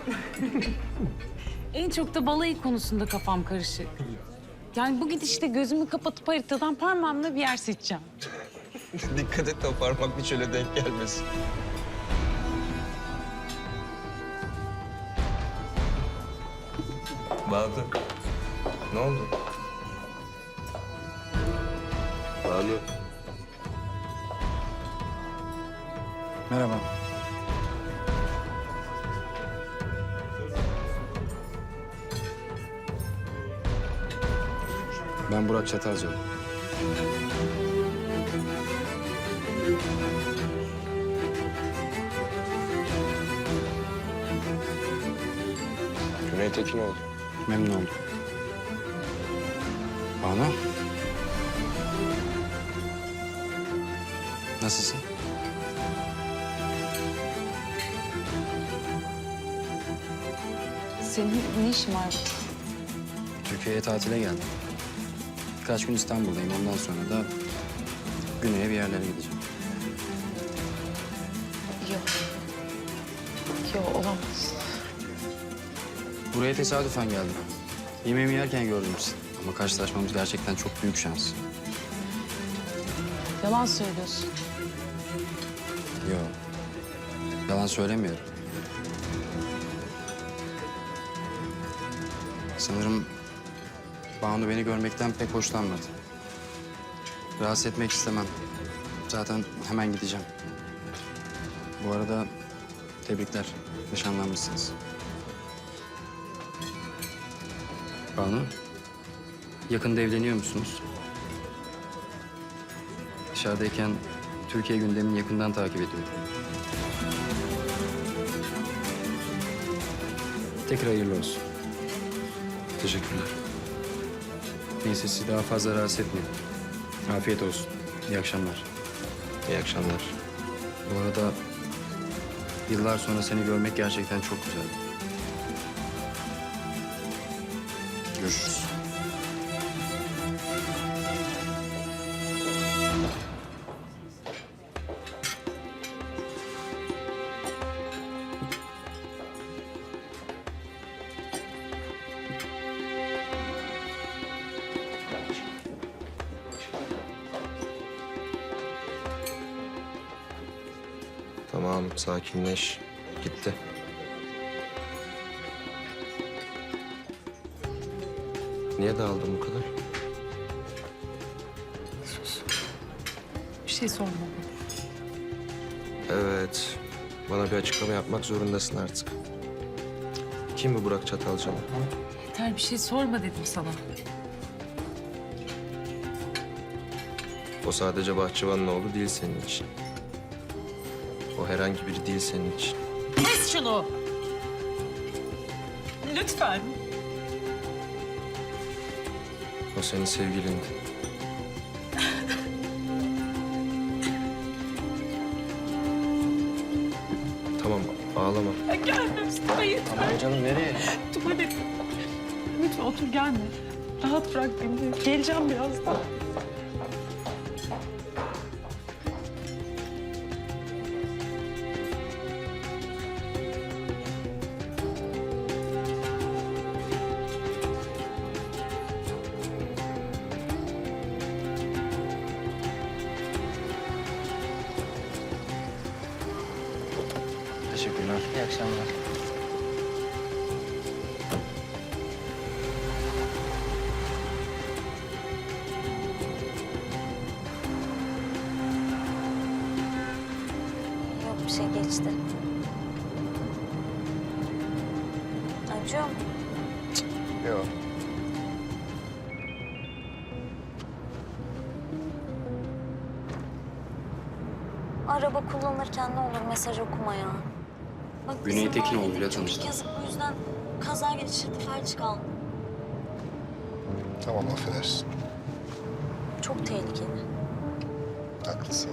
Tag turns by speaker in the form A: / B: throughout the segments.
A: En çok da balayı konusunda kafam karışık. Yani bu gidişte gözümü kapatıp haritadan parmağımla bir yer seçeceğim.
B: Dikkat et de o parmak bir şöyle denk gelmesin. Banu. Ne oldu? Banu.
C: Merhaba. Ben Burak Çatalcalı.
B: Güney Tekinoğlu.
C: Memnun oldum. Banu. Nasılsın?
A: Senin ne işin var?
C: Türkiye'ye tatile geldim. Birkaç gün İstanbul'dayım. Ondan sonra da güneye bir yerlere gideceğim.
A: Yok. Yok, olamaz.
C: Buraya tesadüfen geldim. Yemeğimi yerken gördüm sizi. Ama karşılaşmamız gerçekten çok büyük şans.
A: Yalan söylüyorsun.
C: Yok. Yalan söylemiyorum. Sanırım Banu beni görmekten pek hoşlanmadı. Rahatsız etmek istemem. Zaten hemen gideceğim. Bu arada tebrikler. Nişanlanmışsınız. Banu, yakında evleniyor musunuz? Dışarıdayken Türkiye gündemini yakından takip ediyorum. Tekrar hayırlı olsun.
B: Teşekkürler.
C: Neyse sizi daha fazla rahatsız etmeyeyim. Afiyet olsun. İyi akşamlar.
B: İyi akşamlar.
C: Bu arada yıllar sonra seni görmek gerçekten çok güzel. Görüşürüz.
B: Tamam, sakinleş. Gitti. Niye dağıldın bu kadar?
A: Bir şey sorma.
B: Evet. Bana bir açıklama yapmak zorundasın artık. Kim bu Burak Çatalcalı?
A: Yeter, bir şey sorma dedim sana.
B: O sadece bahçıvanın oğlu değil senin için. O herhangi biri değil senin için.
A: Kes şunu! Lütfen.
B: O senin sevgilindi. Tamam, ağlama.
A: Gelme üstüme yeter.
C: Aman canım nereye?
A: Tuvalet. Lütfen otur, gelme. Rahat bırak beni. Geleceğim birazdan.
C: Teşekkürler.
D: İyi akşamlar.
E: Yok, bir şey geçti. Acıyor mu?
B: Yok.
E: Araba kullanırken ne olur mesaj okuma ya. Bak,
C: Güney
E: bizim
C: Tekinoğlu'yla
E: mahallede
C: tanıştım.
E: Çocuk yazık, bu yüzden kaza geçirdi, felç kaldı.
F: Tamam, affedersin.
E: Çok tehlikeli.
F: Haklısın.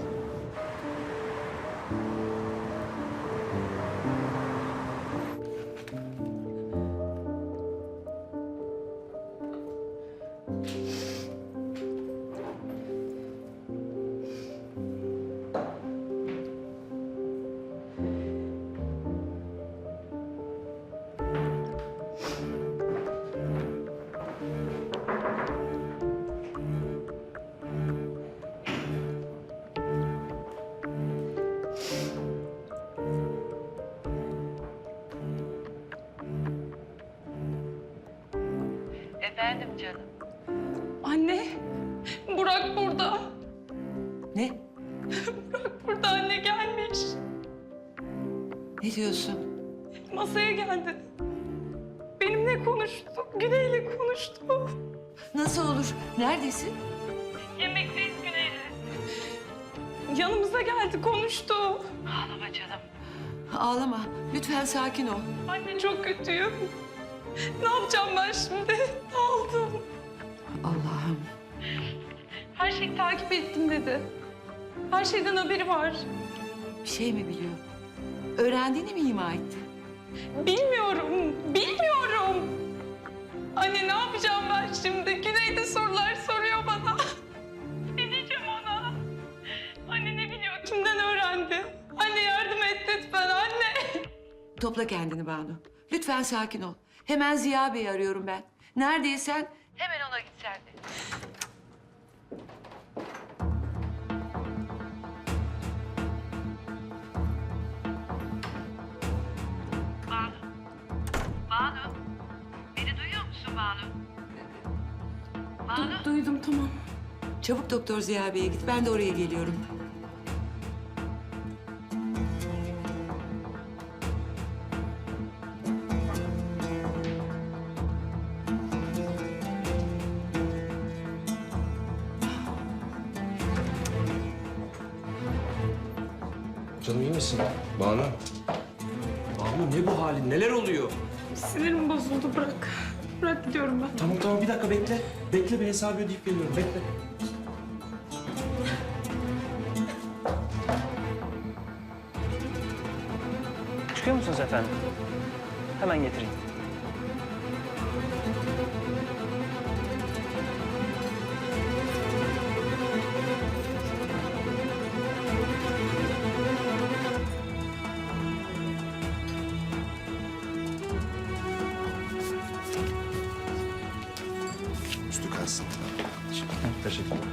D: Efendim canım.
A: Anne, Burak burada.
D: Ne?
A: Burak burada, anne gelmiş.
D: Ne diyorsun?
A: Masaya geldi. Benimle konuştu, Güney'le konuştu.
D: Nasıl olur? Neredesin?
A: Yemekteyiz Güney'le. Yanımıza geldi, konuştu.
D: Ağlama canım. Ağlama. Lütfen sakin ol.
A: Anne çok kötüyüm. Ne yapacağım ben şimdi? Aldım.
D: Allah'ım.
A: Her şeyi takip ettim dedi. Her şeyden haberi var.
D: Bir şey mi biliyor? Öğrendiğini mi ima etti?
A: Bilmiyorum, bilmiyorum. Anne ne yapacağım ben şimdi? Güney de sorular soruyor bana. Ne diyeceğim ona? Anne ne biliyor? Kimden öğrendi? Anne yardım et lütfen anne.
D: Topla kendini Banu. Lütfen sakin ol. Hemen Ziya Bey'i arıyorum ben. Neredeysen hemen ona git sen de.
G: Banu. Banu. Beni duyuyor musun Banu? Banu.
A: Duydum tamam.
D: Çabuk Doktor Ziya Bey'e git. Ben de oraya geliyorum.
B: Canım iyi misin? Banu. Banu ne bu halin? Neler oluyor?
A: Sinirim bozuldu bırak. Bırak gidiyorum ben.
H: Tamam tamam bir dakika bekle. Bekle bir hesabı ödeyip geliyorum. Bekle.
I: Çıkıyor musunuz efendim? Hemen getireyim.
F: Üstü kalsın.
H: Teşekkür ederim.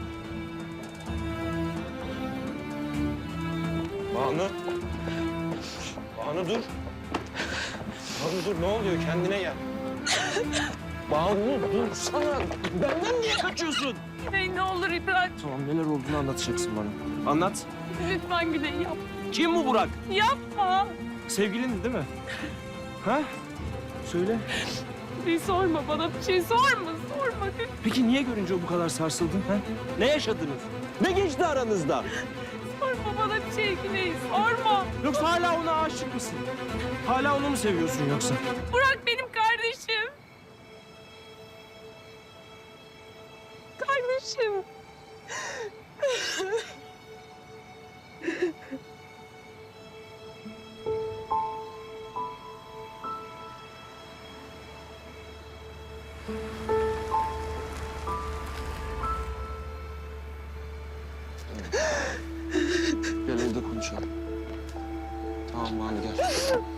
B: Banu. Banu dur. Banu dur ne oluyor? Kendine gel. Banu dur sana. Benden niye kaçıyorsun?
A: Güney ne olur İbrahim.
H: Tamam neler olduğunu anlatacaksın bana. Anlat.
A: Lütfen Güney yap.
H: Kim bu Burak?
A: Yapma.
H: Sevgilindi değil mi? Ha? Söyle.
A: Bir sorma bana bir şey sorma. Sorma.
H: Peki niye görünce bu kadar sarsıldın? Ha? Ne yaşadınız? Ne geçti aranızda?
A: Sorma bana bir şey Güney. Sorma.
H: Yoksa hala ona aşık mısın? Hala onu mu seviyorsun yoksa?
A: Burak benim kardeşim. Kardeşim.
C: Gel evde konuşalım. Tamam Banu gel.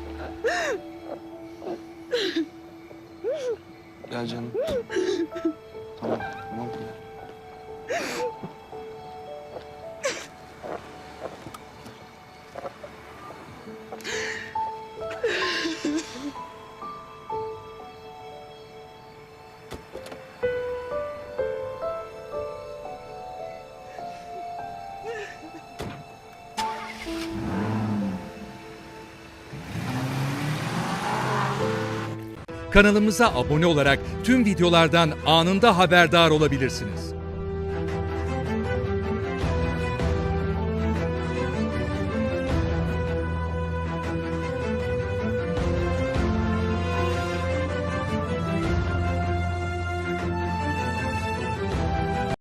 C: Gel canım. Tamam, tamam gel.
J: Kanalımıza abone olarak tüm videolardan anında haberdar olabilirsiniz.